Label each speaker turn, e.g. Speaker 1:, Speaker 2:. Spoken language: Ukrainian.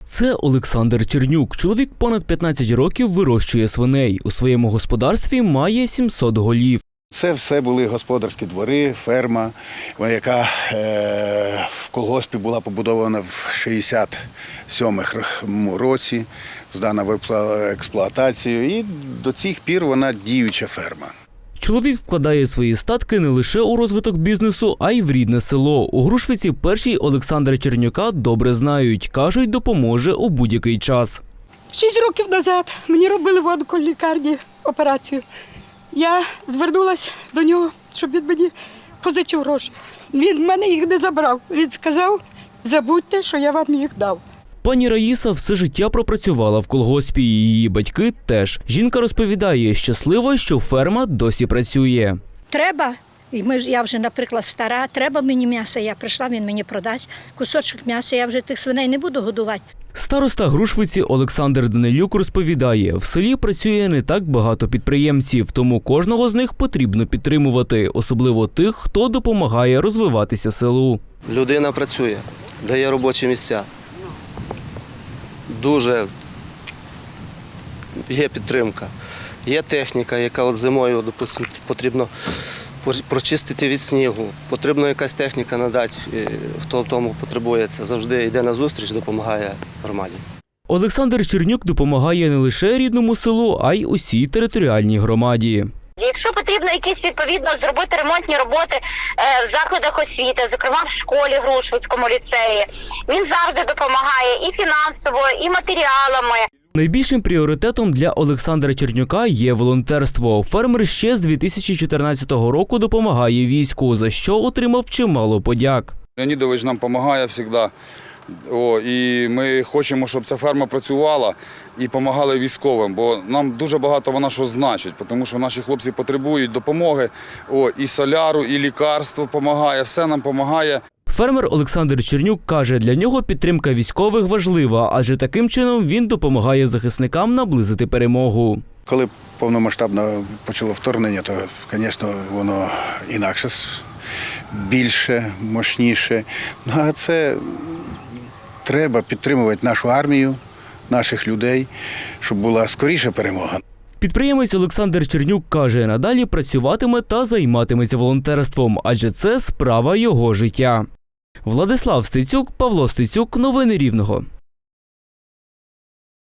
Speaker 1: Це Олександр Чернюк. Чоловік понад 15 років вирощує свиней. У своєму господарстві має 700 голів.
Speaker 2: Це все були господарські двори, ферма, яка в колгоспі була побудована в 67-му році, здана в експлуатацію, і до цих пір вона діюча ферма.
Speaker 1: Чоловік вкладає свої статки не лише у розвиток бізнесу, а й в рідне село. У Грушвиці перший Олександра Чернюка добре знають. Кажуть, допоможе у будь-який час.
Speaker 3: 6 років назад мені робили в онколікарні операцію. Я звернулася до нього, щоб він мені позичив гроші. Він в мене їх не забрав. Він сказав, забудьте, що я вам їх дав.
Speaker 1: Пані Раїса все життя пропрацювала в колгоспі, її батьки теж. Жінка розповідає, щаслива, що ферма досі працює.
Speaker 4: Треба, я вже, наприклад, стара, треба мені м'яса, я прийшла, він мені продасть кусочок м'яса, я вже тих свиней не буду годувати.
Speaker 1: Староста Грушвиці Олександр Данилюк розповідає, в селі працює не так багато підприємців, тому кожного з них потрібно підтримувати, особливо тих, хто допомагає розвиватися селу.
Speaker 5: Людина працює, дає робочі місця. Дуже є підтримка. Є техніка, яка от зимою, допустимо, потрібно прочистити від снігу. Потрібно якась техніка надати, хто в тому потребує. Це завжди йде на зустріч, допомагає громаді.
Speaker 1: Олександр Чернюк допомагає не лише рідному селу, а й усій територіальній громаді.
Speaker 6: Якщо потрібно якісь відповідно зробити ремонтні роботи в закладах освіти, зокрема в школі Грушвицькому ліцеї, він завжди допомагає і фінансово, і матеріалами.
Speaker 1: Найбільшим пріоритетом для Олександра Чернюка є волонтерство. Фермер ще з 2014 року допомагає війську, за що отримав чимало подяк.
Speaker 7: Леонідович нам допомагає завжди. І ми хочемо, щоб ця ферма працювала і допомагала військовим, бо нам дуже багато вона що значить, тому що наші хлопці потребують допомоги, і соляру, і лікарство допомагає, все нам допомагає.
Speaker 1: Фермер Олександр Чернюк каже, для нього підтримка військових важлива, адже таким чином він допомагає захисникам наблизити перемогу.
Speaker 2: Коли повномасштабно почало вторгнення, то, звісно, воно інакше, більше, мощніше. А це треба підтримувати нашу армію, наших людей, щоб була скоріша перемога.
Speaker 1: Підприємець Олександр Чернюк каже, надалі працюватиме та займатиметься волонтерством, адже це справа його життя. Владислав Стецюк, Павло Стецюк. Новини Рівного.